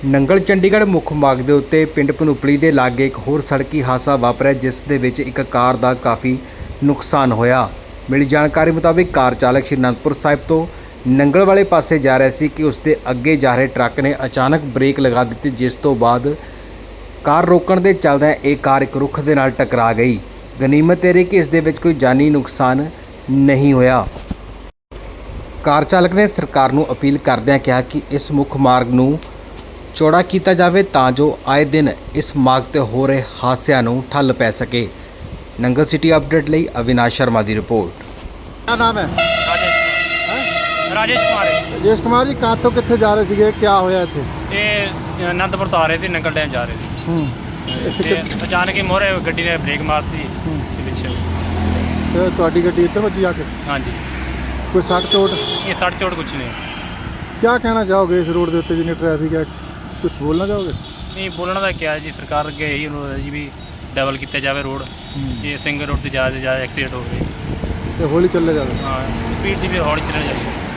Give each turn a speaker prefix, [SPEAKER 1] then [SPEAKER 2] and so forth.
[SPEAKER 1] ਨੰਗਲ ਚੰਡੀਗੜ੍ਹ ਮੁੱਖ ਮਾਰਗ ਦੇ ਉੱਤੇ ਪਿੰਡ ਪਨੂਪਲੀ ਦੇ ਲਾਗੇ ਇੱਕ ਹੋਰ ਸੜਕੀ ਹਾਦਸਾ ਵਾਪਰਿਆ, ਜਿਸ ਦੇ ਵਿੱਚ ਇੱਕ ਕਾਰ ਦਾ ਕਾਫੀ ਨੁਕਸਾਨ ਹੋਇਆ। ਮਿਲੀ ਜਾਣਕਾਰੀ ਮੁਤਾਬਿਕ ਕਾਰ ਚਾਲਕ ਸ਼੍ਰੀ ਅਨੰਦਪੁਰ ਸਾਹਿਬ ਤੋਂ ਨੰਗਲ ਵਾਲੇ ਪਾਸੇ ਜਾ ਰਿਹਾ ਸੀ ਕਿ ਉਸ ਦੇ ਅੱਗੇ ਜਾ ਰਹੇ ਟਰੱਕ ਨੇ ਅਚਾਨਕ ਬ੍ਰੇਕ ਲਗਾ ਦਿੱਤੀ, ਜਿਸ ਤੋਂ ਬਾਅਦ ਕਾਰ ਰੋਕਣ ਦੇ ਚੱਲਦਿਆਂ ਇਹ ਕਾਰ ਇੱਕ ਰੁੱਖ ਦੇ ਨਾਲ ਟਕਰਾ ਗਈ। ਗਨੀਮਤ ਇਹ ਰਹੀ ਕਿ ਇਸ ਦੇ ਵਿੱਚ ਕੋਈ ਜਾਨੀ ਨੁਕਸਾਨ ਨਹੀਂ ਹੋਇਆ। ਕਾਰ ਚਾਲਕ ਨੇ ਸਰਕਾਰ ਨੂੰ ਅਪੀਲ ਕਰਦਿਆਂ ਕਿਹਾ ਕਿ ਇਸ ਮੁੱਖ ਮਾਰਗ ਨੂੰ ਚੌੜਾ ਕੀਤਾ ਜਾਵੇ ਤਾਂ ਜੋ ਆਏ ਦਿਨ ਇਸ ਮਾਰਗ ਤੇ ਹੋ ਰਹੇ ਹਾਦਸਿਆਂ ਨੂੰ ਠੱਲ ਪੈ ਸਕੇ। ਨੰਗਲ ਸਿਟੀ ਅਪਡੇਟ ਲਈ ਅਵਿਨਾਸ਼ ਸ਼ਰਮਾ ਦੀ ਰਿਪੋर्ट।
[SPEAKER 2] क्या नाम है?
[SPEAKER 3] राजेश कुमार है।
[SPEAKER 2] राजेश कुमार जी, कहाँ तो कितने जा रहे थे? क्या होया थे?
[SPEAKER 3] ये आनंदपुर तो आ रहे थे, नंगल डैम जा रहे थे ते अचानक ही मोहरे गड्डी ने ब्रेक मारती पिछे।
[SPEAKER 2] तो ਤੁਹਾਡੀ ਗੱਡੀ ਇੱਧਰ ਵੱਜੀ ਆ ਕੇ?
[SPEAKER 3] हाँ जी,
[SPEAKER 2] ਕੋਈ ਸੱਟ ਚੋਟ?
[SPEAKER 3] ये सट चोट कुछ नहीं।
[SPEAKER 2] क्या कहना चाहोगे इस रोड के उत्ते जिन्नी ट्रैफिक है, कुछ बोलना चाहोगे?
[SPEAKER 3] नहीं बोलना तो क्या है जी, सरकार अगे यही अनुरोध है जी भी डबल किया जाए रोड। ये सिंगल रोड से ज़्यादा एक्सीडेंट हो गए।
[SPEAKER 2] ਤੇ ਹੌਲੀ ਚੱਲੇ ਜਾਵੇ।
[SPEAKER 3] हाँ स्पीड की भी हौली चलनी चाहिए।